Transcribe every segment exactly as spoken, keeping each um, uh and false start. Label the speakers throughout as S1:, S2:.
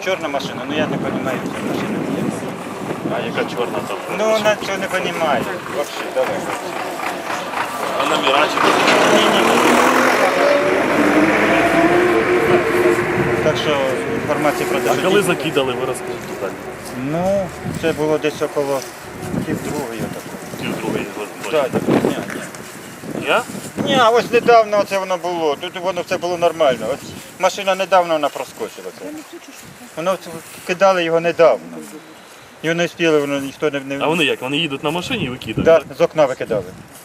S1: чорна машина, ну я не розумію, ця машина є.
S2: А яка чорна там?
S1: Ну вона цього не розуміє. Взагалі, давай.
S2: А номера чи
S1: Так що інформація про те,
S2: А
S1: що
S2: коли
S1: ті-
S2: закидали, ви розкажіть детально.
S1: Ну, це було десь около пів другої.
S2: Пів другої
S1: Так, так, ні, ні.
S2: Я?
S1: Ні, а ось недавно це воно було. Тут воно все було нормально. Ось машина недавно вона проскочила. Це. Воно це- кидали його недавно. Його не встигли, воно ніхто не, не...
S2: А вони як? Вони їдуть на машині і викидають?
S1: Да,
S2: так?
S1: з окна викидали.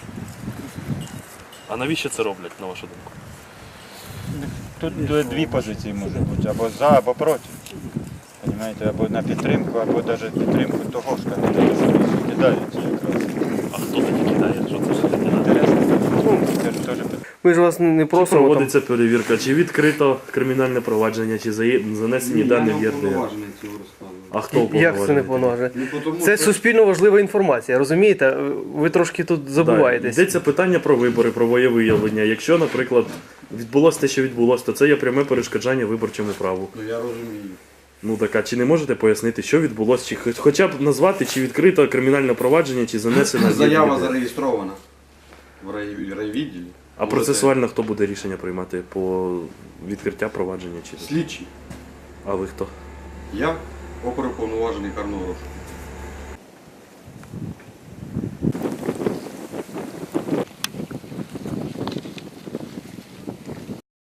S2: А навіщо це роблять, на вашу думку?
S1: Тут д- дві позиції може бути, або за, або проти. Понимаєте, або на підтримку, або навіть підтримку того ж кандидата, що кидають якраз.
S2: А хто тоді кидає? Що це за кандидат?
S1: Інтересно. Це ж теж питання.
S3: Ми ж вас не
S2: Чи
S3: просимо там.
S2: проводиться перевірка, чи відкрито кримінальне провадження, чи зає- занесені дані в ЄРДР? А хто
S3: Як це не
S2: уповноважений?
S3: повноважує?
S4: Ну, тому
S3: Це
S4: що-
S3: суспільно важлива інформація, розумієте? Ви трошки тут
S2: Так,
S3: забуваєтесь.
S2: йдеться питання про вибори, про волевиявлення. Якщо, наприклад, відбулося те, що відбулося, то це є пряме перешкоджання виборчому праву.
S4: Ну я розумію.
S2: Ну так, а чи не можете пояснити, що відбулося? Чи хоч- хоча б назвати, чи відкрито кримінальне провадження, чи занесено в
S4: Заява
S2: ЄРДР?
S4: зареєстрована в рай- райвідділі.
S2: А процесуально хто буде рішення приймати по відкриття провадження? Чи...
S4: Слідчий.
S2: А ви хто?
S4: Я оперуповноважений карного розшуку.